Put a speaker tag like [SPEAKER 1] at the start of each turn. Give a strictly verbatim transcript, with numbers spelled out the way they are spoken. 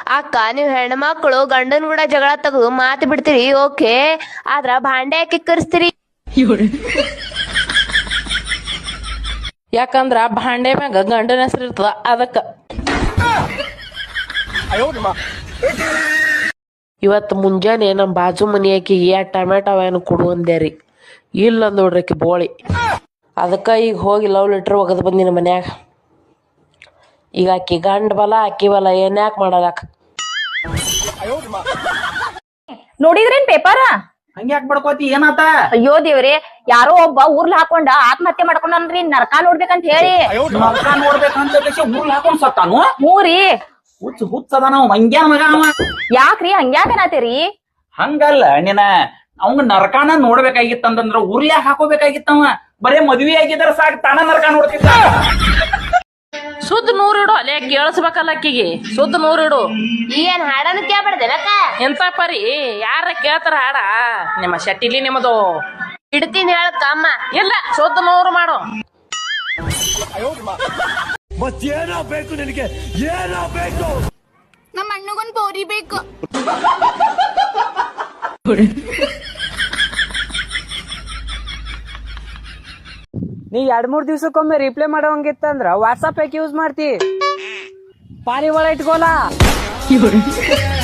[SPEAKER 1] ಅಕ್ಕ ನೀವ್ ಹೆಣ್ಮಕ್ಳು ಗಂಡನ್ ಕೂಡ ಜಗಳ ತೆಗೆದು ಮಾತು ಬಿಡ್ತೀರಿ ಓಕೆ, ಆದ್ರ ಭಾಂಡೆ ಯಾಕೆ ಕರ್ಸ್ತೀರಿ?
[SPEAKER 2] ಯಾಕಂದ್ರ ಭಾಂಡೆ ಮ್ಯಾಗ ಗಂಡನ ಹೆಸರು ಇರ್ತದ ಅದಕ್ಕ. ಇವತ್ತು ಮುಂಜಾನೆ ನಮ್ಮ ಬಾಜು ಮನಿ ಆಕಿಗೆ ಎರಡು ಟೊಮೆಟೊ ಅವೇನು ಕೊಡು ಅಂದ್ಯಾರಿ. ಇಲ್ಲ ನೋಡ್ರಿ ಆಕಿ ಬೋಳಿ. ಅದಕ್ಕೆ ಈಗ ಹೋಗಿ ಲವ್ ಲೆಟ್ರ್ ಒಗದು ಬಂದಿನ ಮನ್ಯಾಗ. ಈಗ ಆಕಿ ಗಂಡ ಬಲ ಆಕಿ ಬಲ ಏನ್ಯಾಕೆ ಮಾಡಲಾಕ.
[SPEAKER 3] ನೋಡಿದ್ರೇನ್ ಪೇಪರ್?
[SPEAKER 4] ಹಂಗ್ಯಾಕ್ ಬಡ್ಕೋತಿ ಏನಾತ?
[SPEAKER 3] ಅಯ್ಯೋ ದೇವ್ರಿ, ಯಾರೋ ಒಬ್ಬ ಊರ್ಲ್ ಹಾಕೊಂಡ ಆತ್ಮಹತ್ಯೆ ಮಾಡ್ಕೊಂಡ್ರಿ, ನರಕ ನೋಡ್ಬೇಕಂತ ಹೇಳಿ.
[SPEAKER 4] ನರಕ ನೋಡ್ಬೇಕಂತ ಊರ್ಲ್ ಹಾಕೊಂಡ್ ಸತ್ತಾನು.
[SPEAKER 3] ಮೂರಿ
[SPEAKER 4] ಹುಚ್ಚ ಹುಚ್ಚದ ನಾವು ಹಂಗ್ಯಾ ಮಗ ಅವ.
[SPEAKER 3] ಯಾಕ್ರಿ ಹಂಗ್ಯಾಕನಾತೀರಿ?
[SPEAKER 4] ಹಂಗಲ್ಲ ನಿನ ಅವಂಗ ನರಕಾನ ನೋಡ್ಬೇಕಾಗಿತ್ತಂದ್ರ ಉರ್ಲ್ಯಾಗ ಹಾಕೋಬೇಕಾಗಿತ್ತವ. ಬರೇ ಮದ್ವಿ ಆಗಿದ್ರ ಸಾಕ್ ತಾನ ನರಕ ನೋಡ್ತಿದ್ದ.
[SPEAKER 2] ಸುದ್ದ ನೂರಿಡು ಅಲ್ಲೇ ಕೇಳಿಸ್ಬೇಕಲ್ಲ ಅಕ್ಕಿಗೆ. ಸುದ್ದ ನೂರಿಡು.
[SPEAKER 1] ಏನ್ ಹಾಡನ್ನು ಕೇಳ್ಬಾರ್ದೇನಕ್ಕ?
[SPEAKER 2] ಎಂತ ಪರಿ ಯಾರ ಕೇಳ್ತಾರ ಹಾಡ? ನಿಮ್ಮ ಶೆಟ್ಟಿಲಿ ನಿಮ್ಮದು
[SPEAKER 1] ಇಡ್ತೀನಿ ಹೇಳಕ್ಕ ಅಮ್ಮ.
[SPEAKER 2] ಇಲ್ಲ, ಸುದ್ದ ನೂರು ಮಾಡು.
[SPEAKER 5] ಮತ್ತೇನೋ ಬೇಕು ನಿನಗೆ? ಏನೋ ಬೇಕು?
[SPEAKER 6] ನಮ್ಮ ಅಣ್ಣಗೊಂದ್ ಬೋರಿ ಬೇಕು.
[SPEAKER 7] ನೀ ಎರಡ್ ಮೂರ್ ದಿವ್ಸಕ್ಕೊಮ್ಮೆ ರಿಪ್ಲೈ ಮಾಡೋಂಗಿತ್ತಂದ್ರ ವಾಟ್ಸಪ್ ಯಾಕೆ ಯೂಸ್ ಮಾಡ್ತಿ? ಪಾರಿವಾಳ ಇಟ್ಕೋಲಾ.